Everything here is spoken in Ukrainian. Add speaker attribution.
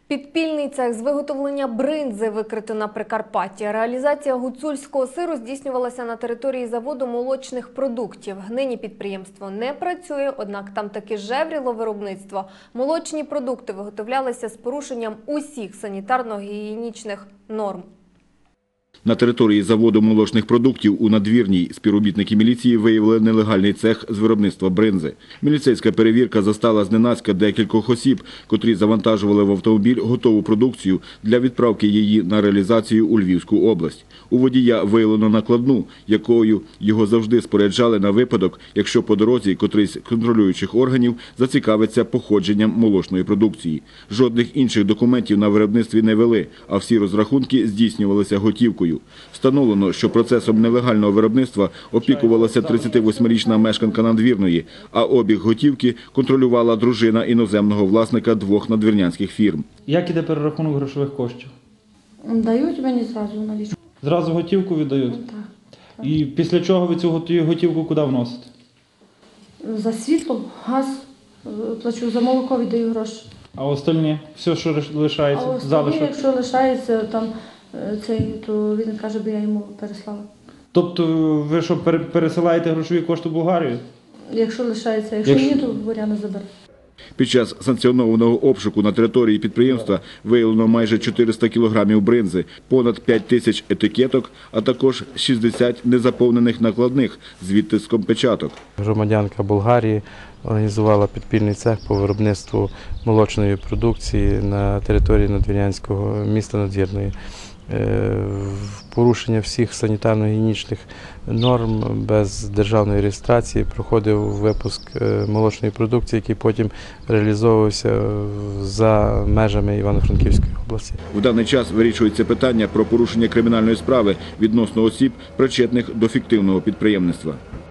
Speaker 1: Підпільний цех з виготовлення бринзи викрито на Прикарпатті. Реалізація гуцульського сиру здійснювалася на території заводу молочних продуктів. Нині підприємство не працює, однак там таки жевріло виробництво. Молочні продукти виготовлялися з порушенням усіх санітарно-гігієнічних норм.
Speaker 2: На території заводу молочних продуктів у Надвірній співробітники міліції виявили нелегальний цех з виробництва бринзи. Міліцейська перевірка застала зненацька декількох осіб, котрі завантажували в автомобіль готову продукцію для відправки її на реалізацію у Львівську область. У водія виявлено накладну, якою його завжди споряджали на випадок, якщо по дорозі котрийсь з контролюючих органів зацікавиться походженням молочної продукції. Жодних інших документів на виробництві не вели, а всі розрахунки здійснювалися готівкою. Встановлено, що процесом нелегального виробництва опікувалася 38-річна мешканка Надвірної, а обіг готівки контролювала дружина іноземного власника двох надвірнянських фірм.
Speaker 3: Як іде перерахунок грошових коштів?
Speaker 4: Дають мені зразу налічку.
Speaker 3: Зразу готівку віддають?
Speaker 4: Так.
Speaker 3: І після чого ви цю готівку куди вносите?
Speaker 4: За світло, газ плачу, за молоко віддаю гроші.
Speaker 3: А остальні? Все, що лишається?
Speaker 4: А
Speaker 3: Залишок?
Speaker 4: якщо лишається, там, то він каже, би я йому переслала.
Speaker 3: Тобто ви що, пересилаєте грошові кошти в Болгарію?
Speaker 4: Якщо лишається, якщо ні, то Боряна забере.
Speaker 2: Під час санкціонованого обшуку на території підприємства виявлено майже 400 кілограмів бринзи, понад 5 тисяч етикеток, а також 60 незаповнених накладних з відтиском печаток.
Speaker 5: Громадянка Болгарії організувала підпільний цех по виробництву молочної продукції на території надвірнянського міста Надвірної. В порушення всіх санітарно-гігієнічних норм, без державної реєстрації проходив випуск молочної продукції, який потім реалізовувався за межами Івано-Франківської області.
Speaker 2: В даний час вирішується питання про порушення кримінальної справи відносно осіб, причетних до фіктивного підприємництва.